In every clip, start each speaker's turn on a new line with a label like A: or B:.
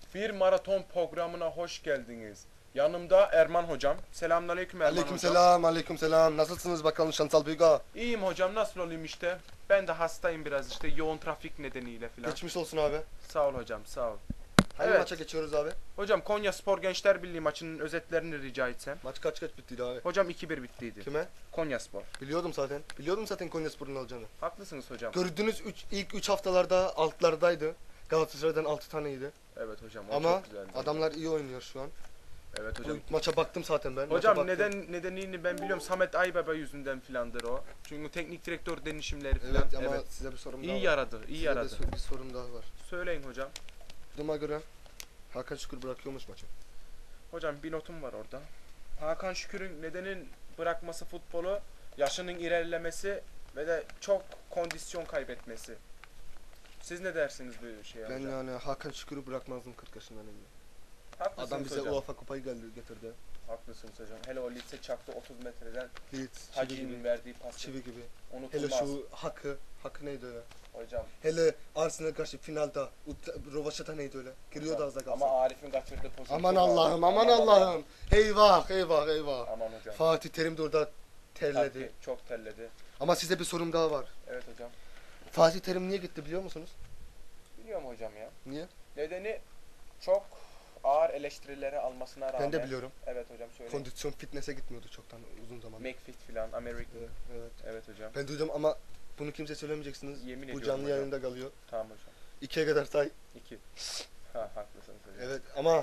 A: Bir maraton programına hoş geldiniz. Yanımda Erman hocam. Selamünaleyküm Erman hocam.
B: Aleykümselam, aleykümselam. Nasılsınız bakalım Şansal Büyüga?
A: İyiyim hocam, nasıl olayım işte. Ben de hastayım biraz işte yoğun trafik nedeniyle filan.
B: Geçmiş olsun abi.
A: Sağ ol hocam, sağ ol.
B: Hangi
A: Evet.
B: maça geçiyoruz abi?
A: Hocam Konyaspor Gençler Birliği maçının özetlerini rica etsem.
B: Maç kaç bittiydi abi?
A: Hocam 2-1 bittiydi.
B: Kime?
A: Konyaspor.
B: Biliyordum zaten. Biliyordum zaten Konyaspor'un alacağını.
A: Haklısınız hocam.
B: Gördüğünüz ilk 3 haftalarda altlardaydı. Galatasaray'dan 6 taneydi.
A: Evet hocam, o
B: Ama
A: çok güzeldi.
B: adamlar iyi oynuyor şu an.
A: Evet hocam.
B: Bu maça baktım zaten ben.
A: Hocam
B: Maça baktım.
A: nedenini ben biliyorum. Samet Aybaba yüzünden filandır o. Çünkü teknik direktör denişimleri filan.
B: Evet ama size bir sorum daha
A: İyi
B: var.
A: yaradı, iyi
B: Size
A: yaradı.
B: bir sorum daha var.
A: Söyleyin hocam.
B: Duyduğuma göre Hakan Şükür bırakıyormuş maçı.
A: Hocam bir notum var orada. Hakan Şükür'ün nedenin bırakması futbolu, yaşının ilerlemesi ve de çok kondisyon kaybetmesi. Siz ne dersiniz bu şeye
B: Ben
A: hocam?
B: yani Hakan Şükür'ü bırakmazdım 40 yaşından önce.
A: Haklısınız
B: Adam bize
A: hocam.
B: UEFA kupayı getirdi.
A: Haklısınız hocam. Hele o Leeds'e çaktı 30 metreden
B: Leeds, çivi
A: Hacı'nın
B: gibi.
A: verdiği pası.
B: Çivi gibi.
A: Unutulmaz.
B: Hele şu Hakkı neydi öyle?
A: Hocam.
B: Hele Arsenal karşı finalde Rovaşata neydi öyle? Giriyordu az da kalsın.
A: Ama Arif'in kaçırdığı pozisyon.
B: Aman
A: çok
B: Allah'ım,
A: ağır.
B: aman Allah'ım. Eyvah, eyvah, eyvah.
A: Aman hocam.
B: Fatih Terim de orada terledi.
A: Tabii, çok terledi.
B: Ama size bir sorum daha var.
A: Evet hocam.
B: Fatih Terim niye gitti biliyor musunuz?
A: Biliyorum hocam ya.
B: Niye?
A: Nedeni çok ağır eleştirileri almasına rağmen.
B: Ben de biliyorum.
A: Evet hocam, söyleyin.
B: Kondisyon fitness'e gitmiyordu çoktan uzun zaman.
A: McFit filan, American.
B: Evet, evet.
A: Evet hocam.
B: Ben duydum ama bunu kimse söylemeyeceksiniz.
A: Yemin
B: Bu
A: ediyorum
B: canlı
A: hocam.
B: yayında kalıyor.
A: Tamam hocam.
B: 2'ye kadar say.
A: 2. Ha, haklısınız hocam.
B: Evet ama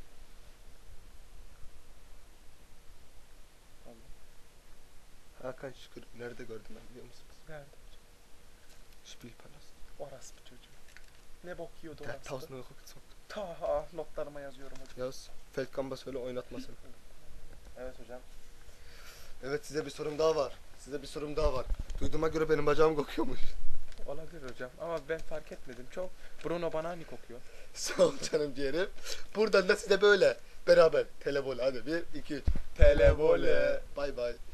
B: Hakan Şükür nerede gördüm ben biliyor musunuz?
A: Nerede hocam?
B: Spielpalast.
A: Orası bir çocuğum. Ne bok yiyordu
B: Der
A: orası?
B: Tausend Euro gezockt.
A: Ta notlarıma yazıyorum hocam.
B: Yaz. Feldkamp'a söyle oynatmasın.
A: Evet hocam.
B: Evet size bir sorum daha var. Duyduğuma göre benim bacağım kokuyormuş.
A: Olabilir hocam ama ben fark etmedim. Çok Bruno Banani kokuyor.
B: Sağ ol canım ciğerim. Buradan da size böyle beraber televole hadi 1 2 3.
A: Televole.
B: Bay bay.